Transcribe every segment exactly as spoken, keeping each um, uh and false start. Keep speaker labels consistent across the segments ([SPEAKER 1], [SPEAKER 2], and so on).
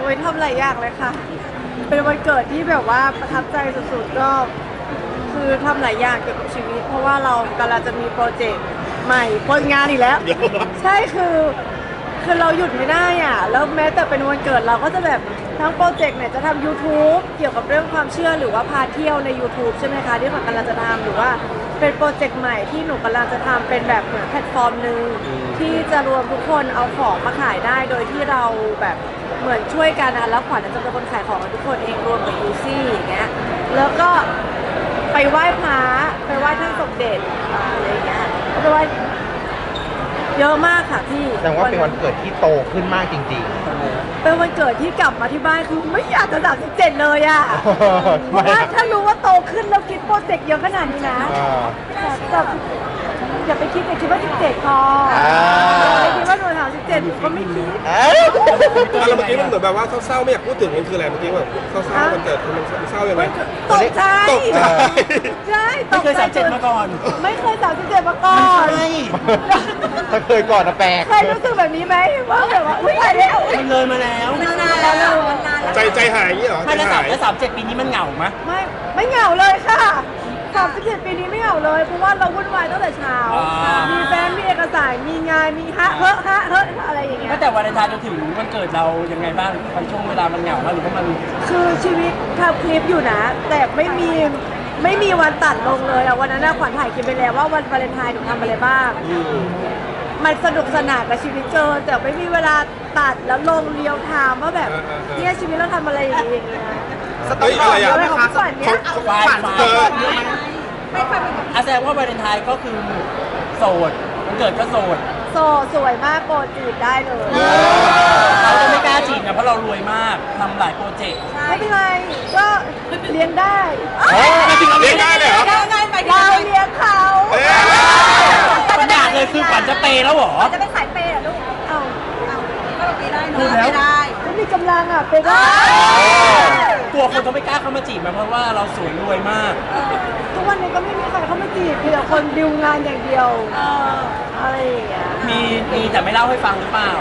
[SPEAKER 1] โอ้ยทำหลายอย่างเลยค่ะ เป็นวันเกิดที่แบบว่าประทับใจสุดๆก็คือทำหลายอย่างเกี่ยวกับชีวิต เพราะว่าเรากำลังจะมีโปรเจกต์ใหม่โปรงานอีกแล้ว ใช่คือคือเราหยุดไม่ได้อ่ะแล้วแม้แต่เป็นวันเกิดเราก็จะแบบทั้งโปรเจกต์เนี่ยจะทำ YouTube เกี่ยวกับเรื่องความเชื่อหรือว่าพาเที่ยวใน YouTube ใช่ไหมคะที่ขวัญกำลังจะทำหรือว่าเป็นโปรเจกต์ใหม่ที่หนูกำลังจะทำเป็นแบบเหมือนแพลตฟอร์มหนึ่งที่จะรวมทุกคนเอาของมาขายได้โดยที่เราแบบเหมือนช่วยกันนะแล้วขวัญจะเป็นคนขายของให้ทุกคนเองรวมกับยูซี่อย่างเงี้ยแล้วก็ไปไหว้พระไปไหว้ท่านสมเด็จอะไรอย่างเงี้ยไปไหว้เยอะมากค่ะพี่
[SPEAKER 2] แสดงว่าเป็นวันเกิดที่โตขึ้นมากจริงๆ
[SPEAKER 1] เป็นวันเกิดที่กลับมาที่บ้านคือไม่อยากจะสามสิบเจ็ดเลยอ่ะเพราะว่าถ้ารู้ว่าโตขึ้นแล้วคิดโปรเจกต์เยอะขนาดนี้นะแต่อย่าไปคิดอย่าคิดว่าสิบเจ็ดพออย่าไปคิดว่าหนูสามสิบเจ็ดหนูก็ไม่คิด
[SPEAKER 3] แล้วเมื่อกี้มันเหมือนแบบว่าเศร้าๆไม่อยากพูดถึงมันคืออะไรเมื่อกี้แบบเศร้าๆมันเกิดมันเศร้ายังไง
[SPEAKER 1] ตกใจ
[SPEAKER 3] ตกใจ
[SPEAKER 1] ใช่ตกใจ
[SPEAKER 4] ไม่เคยสามเจ็ดมาก่อน
[SPEAKER 1] ไม่เคยสามสิบเจ็ดมาก่อน
[SPEAKER 2] ถ้าเคยก่อนนะแปลก
[SPEAKER 1] เคยรู้สึกแบบนี้ไหมว่าแบบว่าอุ้ยตายแล้ว
[SPEAKER 4] มันเลยมาแล้ว
[SPEAKER 1] นานแล้วนานแล้ว
[SPEAKER 3] ใจใจหายอย่างนี้เหรอ
[SPEAKER 4] ถ้าจะสามแล้วสามเจ็ดปีนี้มันเหงาไหม
[SPEAKER 1] ไม่ไม่เหงาเลยค่ะสามสิบเจ็ดปีนี้ไม่เหงาเลยเพราะว่าเราวุ่นวายตั้งแต่เช้ามีแฟนมีเอกสารมีงานมีฮะเฮ้อฮะเฮ้ออะไรอย่างเงี้ย
[SPEAKER 4] ตั้งแต่วันเลนไทน์จนถึงวันเกิดเรายังไงบ้างในช่วงเวลามันเหงาไหมหรือว่ามัน
[SPEAKER 1] คือชีวิตทำคลิปอยู่นะแต่ไม่มีไม่มีวันตัดลงเลยอะวันนั้นขวัญถ่ายคลิปไปแล้วว่าวันวาเลนไทน์หนูทำอะไรบ้างมันสนุกสนานกับชีวิตเกินแต่ไม่มีเวลาตัดแล้วลงเรียวไทม์ว่าแบบเนี่ยชีวิตเราทำอะไรอย่างเงี้ย
[SPEAKER 3] สตอรี่อะไรอ่ะ
[SPEAKER 1] ของขวัญเนี่ย
[SPEAKER 4] ฝันเกิดอาแสดงว่าวาเลนไทน์ก็คือโสดวันเกิดก็โสด
[SPEAKER 1] โสดสวยมากโกรธจีบได้เลย
[SPEAKER 4] เราจะไม่กล้าจีบนะเพราะเรารวยมากทำหลายโปรเจกต์
[SPEAKER 1] ไม่เป็นไรก็เลี้ยงได้
[SPEAKER 3] เลี้ยงได้เลยเหรอ
[SPEAKER 1] เราเลี้ยงเขา
[SPEAKER 4] ปัญญาเลยคือฝันจะเปย์แล้วหรอ
[SPEAKER 1] จะเป็นสายเปย์เหรอลูกเอาเอาก็แบบนี้ได้นะ
[SPEAKER 4] ไม่ได้
[SPEAKER 1] ก็มีกำลังอ่ะเปย์ได้
[SPEAKER 4] กลัวคนเขาไม่กล้าเข้ามาจีบมาเพราะว่าเราสวยรวยมาก
[SPEAKER 1] ทุกวันนี้ก็ไม่มีใครเข้ามาจีบมีแต่คนดิวงานอย่างเดียวอะไรอย่างเงี้ย
[SPEAKER 4] มีมีแต่ไม่เล่าให้ฟังหรือเปล่า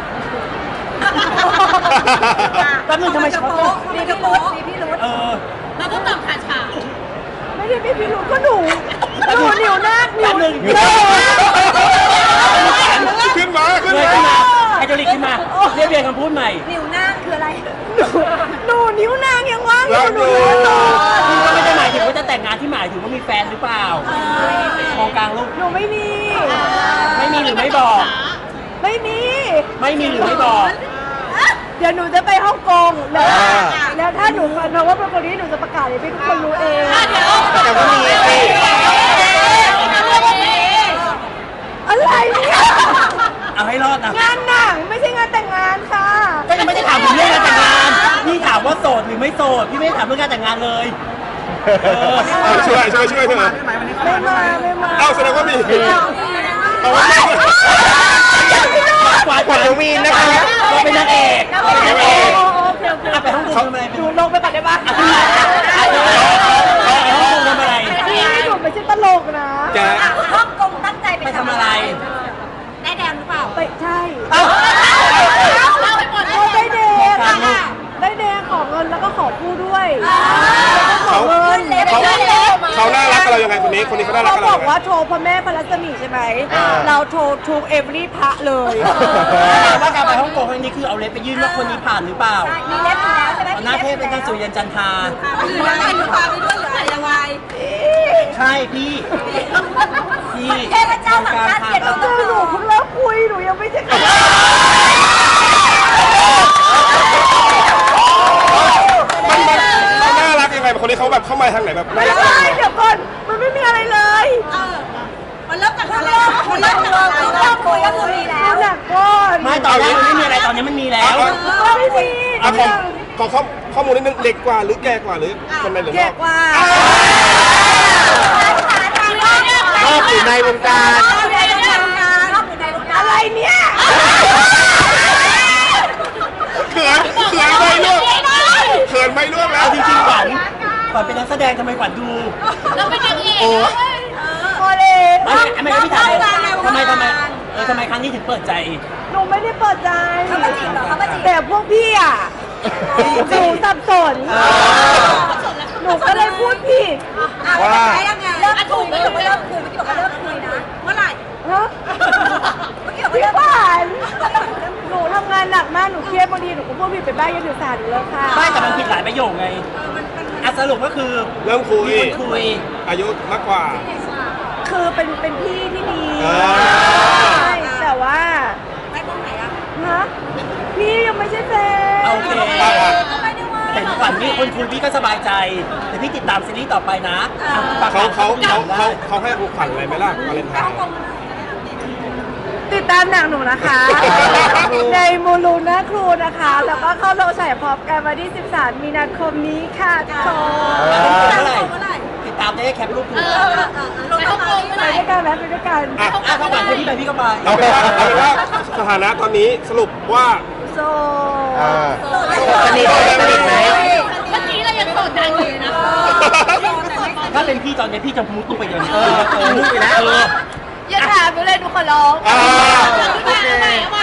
[SPEAKER 4] แป๊บนึงทำไมช็อต
[SPEAKER 1] มีพี่รุ้มีพี่รุ้
[SPEAKER 4] เออ
[SPEAKER 5] เราต้องตอบขาฉา
[SPEAKER 1] ไม่ได้มีพี่รุ้ก็หนูหนูนิ้วหน้านิ้วหนึ่ง
[SPEAKER 3] ขึ้นมาขึ้นมา
[SPEAKER 4] ไอจอริกขึ้นมาเรียบเรียงคำพูดใหม่
[SPEAKER 1] นิ้วหน้าคืออะไรหนูนิ้วนางยังว่างอยู่หนู
[SPEAKER 4] พี่ก็ไม่ได้หมายถึงว่าจะแต่งงานที่หมายถึงว่ามีแฟนหรือเปล่ามองกลางลูก
[SPEAKER 1] หนูไม่มี
[SPEAKER 4] ไม่มีหรือไม่บอก
[SPEAKER 1] ไม่มี
[SPEAKER 4] ไม่มีหรือไม่บอก
[SPEAKER 1] เดี๋ยวหนูจะไปฮ่องกงแล้วแล้วถ้าหนูฟันเพราะว่าเป็นคนนี้หนูจะประกาศให้ทุกคนรู้เอง
[SPEAKER 2] แต่ว่ามี
[SPEAKER 1] อะไรเนี่ย
[SPEAKER 4] เอาให้รอดนะ
[SPEAKER 1] งานหนังไม่ใช่งานแต่งงานค่ะ
[SPEAKER 4] ก็ยังไม่ได้ถามถึงเรื่องงานแต่งงานพี่ถามว่าโสดหรือไม่โสดพี่ไม่ได้ถามเรื่องงานแต่งงานเลย
[SPEAKER 3] ช่วยช่วยช่วยเถอะ
[SPEAKER 1] ไม่มาไม่มา
[SPEAKER 3] เอาแสดงว่ามีเอา
[SPEAKER 4] ว่าขวานขวาน
[SPEAKER 2] วีนนะคะ
[SPEAKER 4] เราเป็นนางเอกเป็นนางเอกไปห้องกงทำอะไร
[SPEAKER 1] หนูลงไปปัดได้ปะ
[SPEAKER 4] ไปห้องกงทำอะไร
[SPEAKER 1] พี่หนูไม่ใช่ตลกนะ
[SPEAKER 5] ฮ่องกงตั้งใจ
[SPEAKER 4] ไปทำอะไร
[SPEAKER 5] ได้แดงหรือเปล่า
[SPEAKER 1] ไปใช่
[SPEAKER 5] เล่าให้หมดเลย
[SPEAKER 1] ได้แดงได้แดงขอเงินแล้วก็ขอผู้ด้วยขอเงิน
[SPEAKER 3] เขาเขาน่ารักกับเรายังไงคนนี้คนนี้เขาน่ารักกับเรา
[SPEAKER 1] เขาบอกว่าโทรพระแม่พระรัศมีใช่ไหมเราโทรทุกเอเวอรี่พระเลย
[SPEAKER 4] ว่าการไปฮ่องกงครั้งนี้คือเอาเล็บไปยื่นว่าคนนี้ผ่านหรือเปล่า
[SPEAKER 1] มีเล็บอยู่แล้วใช่ไหม
[SPEAKER 4] หน้าเทพเป็นการสุริยันจันทรา
[SPEAKER 5] หรือยังไงหรือเปล่าไปด้วยหรืออะไรยังไง
[SPEAKER 4] ใช่พี่พี่
[SPEAKER 5] เทพเจ้าสังฆาเกียรติ
[SPEAKER 1] เจอหนูเพิ่งเลิกคุยหนูยังไม่ใช่
[SPEAKER 3] มันมันเขาน่ารักยังไงคนนี้เขาแบบเข้ามาทางไหนแบบน่ารัก
[SPEAKER 1] เดี๋ยวก่อนมันไม่มีอะไรเลย
[SPEAKER 5] มันเริ่มจากอะไรมันเริ่มจากอะไรเริ่มคุยก็คือมีแล้ว
[SPEAKER 1] หนักก้อน
[SPEAKER 4] ไม่ตอนแรกมันไม่มีอะไรตอนนี้มันมีแล้ว
[SPEAKER 1] ไม่มี
[SPEAKER 3] ขอขอข้อมูลนิดนึงเด็กกว่าหรือแก่กว่าหรือคนในหรือ
[SPEAKER 1] แก่กว่า
[SPEAKER 2] ชอบอยู่ในวงการ
[SPEAKER 1] อะไรเนี่ย
[SPEAKER 3] เขินเขินไม่ล่วงเขินไม่ล่วงแล้ว
[SPEAKER 4] จริงๆขวัญขวัญเป็นนักแสดงทำไมขวัญดู
[SPEAKER 5] เราเป็นนางเอก
[SPEAKER 1] พอเลย
[SPEAKER 4] ไม่ไม่ไม่พี่ถามทำไมทำไมเออทำไมครั้งนี้ถึงเปิดใจ
[SPEAKER 1] หนูไม่ได้เปิดใจ
[SPEAKER 5] เขามาจีบเหรอเขามาจีบ
[SPEAKER 1] แต่พวกพี่อ่ะสับสน หนูก็เลยพูดผิด
[SPEAKER 5] ว่ายังไงเริ่มคุยเมื่อกี้บอกว่าเริ่มคุยเมื่อกี้บอกว่าเริ่มคุยนะเมื่อไหร่
[SPEAKER 1] ฮะ
[SPEAKER 5] เมื่อกี้บอกว่า
[SPEAKER 1] พี่
[SPEAKER 5] เริ่ม
[SPEAKER 1] ขวัญหนูทำงานหนักมาก หนูเครียดบางทีหนูก็พูดผิดไปบ้างยังถือสารหนูเลยค่ะ
[SPEAKER 4] ไม่แต่มันผิดหลายประโยคไงอ่ะสรุปก็คือ
[SPEAKER 3] เริ่มคุย
[SPEAKER 4] มีคนคุย
[SPEAKER 3] อายุมากกว่า
[SPEAKER 1] คือเป็นเป็นพี่ที่ดี
[SPEAKER 3] อ่า
[SPEAKER 1] ใช่แต่ว่า
[SPEAKER 5] ไม่ตรงไหนอะ
[SPEAKER 1] ฮะพี่ยังไม่ใช่แฟน
[SPEAKER 4] โอเค
[SPEAKER 5] ไม่ได้ว่า
[SPEAKER 4] เห็นขวัญมีคนคุยพี่ก็สบายใจแต่พี่ติดตามซีรีส์ต่อไปนะฝก
[SPEAKER 3] เขาเขา
[SPEAKER 4] ติด
[SPEAKER 3] เขา
[SPEAKER 4] ตมได้
[SPEAKER 3] เขาเขาให้ของขวัญอะไรไหมล่ะวาเลนไทน์
[SPEAKER 1] ติดตามหนังหนูนะคะ ในมูลูน่าครูนะคะ แล้วก็เข้าโรงฉายพร้อมกันวันที่ สิบสาม มีนาคมนี้ค่ะทุกคน
[SPEAKER 4] เมื่อไหร่
[SPEAKER 5] เมื่อไหร่
[SPEAKER 4] ติดตามได้แคปรูปดู
[SPEAKER 5] เออเออเออลงมาเมื่อ
[SPEAKER 1] ไป
[SPEAKER 5] ไหร่
[SPEAKER 1] ด้วยกันนะไปด้วยกัน
[SPEAKER 3] อ่ะ
[SPEAKER 4] อ่ะถ้าหวังพี่ไปพี่ก็ไป
[SPEAKER 3] เอาเป็นว่าเอาเป็นว่าสถานะตอนนี้สรุปว่า
[SPEAKER 1] โซ
[SPEAKER 2] อ่า
[SPEAKER 3] สนิทสนิทไหม
[SPEAKER 5] เมื่อกี้เรายังโสดดังอยู่นะ
[SPEAKER 4] ถ้าเป็นพี่ตอนนี้พี่จะมุดลงไปอย่างนี้เออเออมุดไปแล้วเออ
[SPEAKER 1] อย่าถามหนูเลยหนูขอร้อง
[SPEAKER 3] อ่า
[SPEAKER 5] โอเค